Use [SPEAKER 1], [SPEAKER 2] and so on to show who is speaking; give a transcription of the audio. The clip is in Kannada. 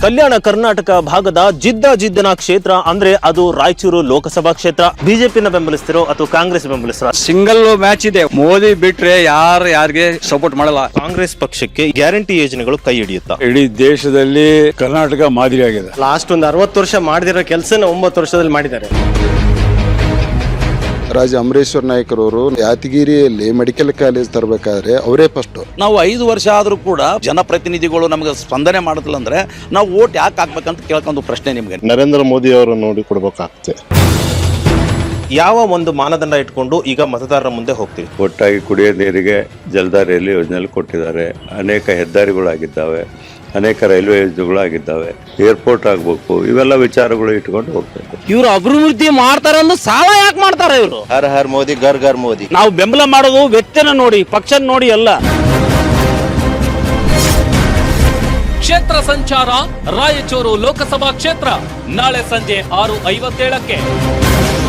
[SPEAKER 1] ಕಲ್ಯಾಣ ಕರ್ನಾಟಕ ಭಾಗದ ಜಿದ್ದನ ಕ್ಷೇತ್ರ ಅಂದ್ರೆ ಅದು ರಾಯಚೂರು ಲೋಕಸಭಾ ಕ್ಷೇತ್ರ. ಬಿಜೆಪಿನ ಬೆಂಬಲಿಸ್ತಿರೋ ಅಥವಾ ಕಾಂಗ್ರೆಸ್ ಬೆಂಬಲಿಸ್ತಿರೋ?
[SPEAKER 2] ಸಿಂಗಲ್ ಮ್ಯಾಚ್ ಇದೆ. ಮೋದಿ ಬಿಟ್ರೆ ಯಾರಿಗೆ ಸಪೋರ್ಟ್ ಮಾಡಲ್ಲ.
[SPEAKER 1] ಕಾಂಗ್ರೆಸ್ ಪಕ್ಷಕ್ಕೆ ಗ್ಯಾರಂಟಿ ಯೋಜನೆಗಳು ಕೈ ಹಿಡಿಯುತ್ತಾ?
[SPEAKER 2] ಇಡೀ ದೇಶದಲ್ಲಿ ಕರ್ನಾಟಕ ಮಾದರಿ ಆಗಿದೆ.
[SPEAKER 3] ಲಾಸ್ಟ್ ಒಂದು 60 ವರ್ಷ ಮಾಡದಿರೋ ಕೆಲಸನ 9 ವರ್ಷದಲ್ಲಿ ಮಾಡಿದ್ದಾರೆ.
[SPEAKER 4] ರಾಜ ಅಮರೇಶ್ವರ್ ನಾಯ್ಕರವರು ಯಾದಗಿರಿಯಲ್ಲಿ ಮೆಡಿಕಲ್ ಕಾಲೇಜ್ ತರಬೇಕಾದ್ರೆ ಅವರೇ ಫಸ್ಟ್.
[SPEAKER 5] ನಾವು 5 ವರ್ಷ ಆದ್ರೂ ಕೂಡ ಜನಪ್ರತಿನಿಧಿಗಳು ನಮಗೆ ಸ್ಪಂದನೆ ಮಾಡುತ್ತಿಲ್ಲ ಅಂದ್ರೆ ನಾವು ವೋಟ್ ಯಾಕೆ ಹಾಕ್ಬೇಕಂತ ಕೇಳ್ಕೊಂಡು ಪ್ರಶ್ನೆ ನಿಮ್ಗೆ.
[SPEAKER 6] ನರೇಂದ್ರ ಮೋದಿ ಅವರು ನೋಡಿ ಕೊಡ್ಬೇಕಾಗ್ತದೆ.
[SPEAKER 1] ಯಾವ ಒಂದು ಮಾನದಂಡ ಇಟ್ಕೊಂಡು ಈಗ ಮತದಾರರ ಮುಂದೆ ಹೋಗ್ತೀವಿ?
[SPEAKER 7] ಒಟ್ಟಾಗಿ ಕುಡಿಯೋ ನೀರಿಗೆ ಜಲಧಾರೆಯಲ್ಲಿ ಯೋಜನೆಯಲ್ಲಿ ಕೊಟ್ಟಿದ್ದಾರೆ. ಅನೇಕ ಹೆದ್ದಾರಿಗಳಾಗಿದ್ದಾವೆ, ಅನೇಕ ರೈಲ್ವೆ ಯೋಜನೆಗಳಾಗಿದ್ದಾವೆ, ಏರ್ಪೋರ್ಟ್ ಆಗ್ಬೇಕು. ಇವೆಲ್ಲ ವಿಚಾರಗಳು ಇಟ್ಕೊಂಡು ಹೋಗ್ಬೇಕು.
[SPEAKER 8] ಇವ್ರು ಅಭಿವೃದ್ಧಿ ಮಾಡ್ತಾರಂದು ಸಾಲ ಯಾಕೆ ಮಾಡ್ತಾರೆ ಇವರು?
[SPEAKER 6] ಹರ್ ಹರ್ ಮೋದಿ ಗರ್ ಗರ್ ಮೋದಿ.
[SPEAKER 8] ನಾವು ಬೆಂಬಲ ಮಾಡೋದು ವ್ಯಕ್ತಿನ ನೋಡಿ, ಪಕ್ಷ ನೋಡಿ ಅಲ್ಲ.
[SPEAKER 9] ಕ್ಷೇತ್ರ ಸಂಚಾರ ರಾಯಚೂರು ಲೋಕಸಭಾ ಕ್ಷೇತ್ರ ನಾಳೆ ಸಂಜೆ 6:57ಕ್ಕೆ.